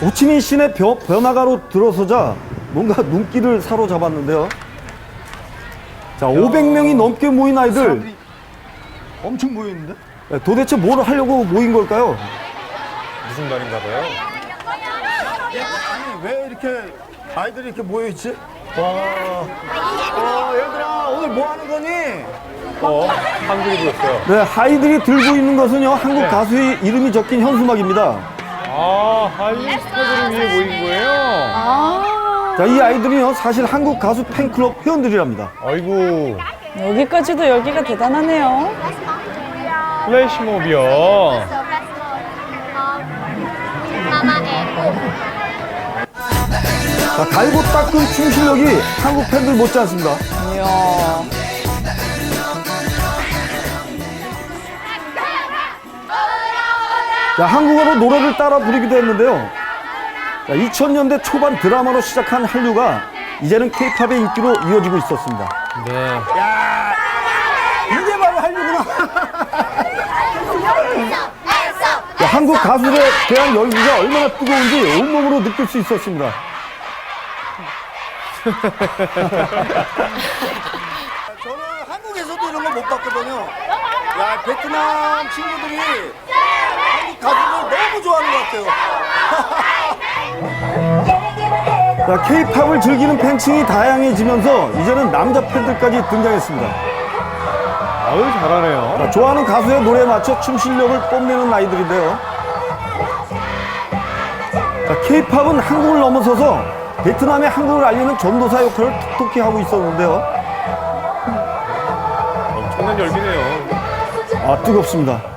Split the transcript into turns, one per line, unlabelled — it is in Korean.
호치민 시내 번화가로 들어서자 뭔가 눈길을 사로잡았는데요. 자, 500명이 넘게 모인 아이들.
엄청 모였는데?
도대체 뭘 하려고 모인 걸까요?
무슨 날인가 봐요.
아니, 왜 이렇게 아이들이 이렇게 모여있지? 얘들아, 오늘 뭐 하는 거니?
한글이 보였어요.
네, 아이들이 들고 있는 것은요, 한국 가수의 이름이 적힌 현수막입니다.
아, 한류 스타들을 위해 모인 거예요?
자, 이 아이들이요, 사실 한국 가수 팬클럽 회원들이랍니다.
아이고,
여기까지도 열기가 대단하네요.
플래시몹이요.
자, 갈고 닦은 춤 실력이 한국 팬들 못지않습니다.
이야.
자, 한국어로 노래를 따라 부르기도 했는데요. 자, 2000년대 초반 드라마로 시작한 한류가 이제는 K-팝의 인기로 이어지고 있었습니다.
네.
이게 바로 한류구나.
자, 한국 가수들에 대한 열기가 얼마나 뜨거운지 온몸으로 느낄 수 있었습니다.
저는 한국에서도 이런 거 못 봤거든요. 야, 베트남 친구들이 한국 가수들 너무 좋아하는 것 같아요.
자, K-팝을 즐기는 팬층이 다양해지면서 이제는 남자 팬들까지 등장했습니다.
아유, 잘하네요.
자, 좋아하는 가수의 노래에 맞춰 춤 실력을 뽐내는 아이들인데요. 자, K-팝은 한국을 넘어서서 베트남의 한국을 알리는 전도사 역할을 톡톡히 하고 있었는데요.
엄청난 열기네요.
아, 뜨겁습니다.